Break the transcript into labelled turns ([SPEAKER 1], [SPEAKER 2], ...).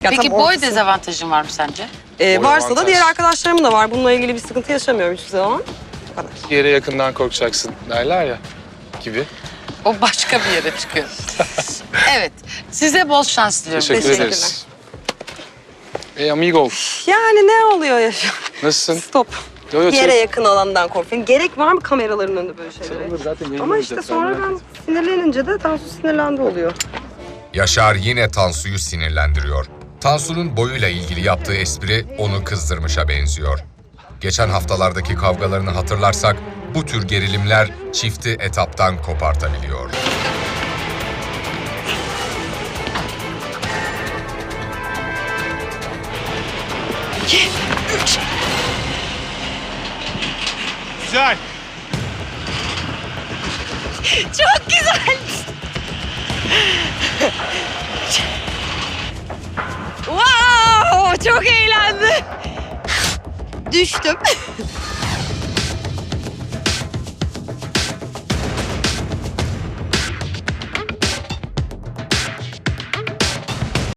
[SPEAKER 1] Ya
[SPEAKER 2] Peki
[SPEAKER 1] tam
[SPEAKER 2] boy
[SPEAKER 1] ortası.
[SPEAKER 2] dezavantajın var mı sence?
[SPEAKER 1] Varsa da
[SPEAKER 3] avantaj.
[SPEAKER 1] diğer arkadaşlarımın da var. Bununla ilgili bir sıkıntı yaşamıyorum hiçbir zaman. Bu kadar.
[SPEAKER 3] Yere yakından korkacaksın derler ya gibi.
[SPEAKER 2] O başka bir yere çıkıyor. Evet, size bol şans diliyorum.
[SPEAKER 3] Teşekkür
[SPEAKER 1] Teşekkürler.
[SPEAKER 3] ederiz. Amigo.
[SPEAKER 1] Yani ne oluyor ya şu an?
[SPEAKER 3] Nasılsın?
[SPEAKER 1] Stop.
[SPEAKER 3] Yo, yo,
[SPEAKER 1] Yere yakın alandan korkuyorum. Gerek var mı kameraların önünde böyle şeylere?
[SPEAKER 3] Olur, zaten
[SPEAKER 1] Ama
[SPEAKER 3] yayınlanacak,
[SPEAKER 1] işte
[SPEAKER 3] sen
[SPEAKER 1] sonra
[SPEAKER 3] merak
[SPEAKER 1] ben
[SPEAKER 3] etme.
[SPEAKER 1] sinirlenince de Tansu sinirlendi oluyor.
[SPEAKER 4] Yaşar yine Tansu'yu sinirlendiriyor. Tansu'nun boyuyla ilgili yaptığı espri onu kızdırmışa benziyor. Geçen haftalardaki kavgalarını hatırlarsak bu tür gerilimler çifti etaptan kopartabiliyor.
[SPEAKER 3] Güzel.
[SPEAKER 2] Çok güzel. Wow, çok eğlendim. Düştüm.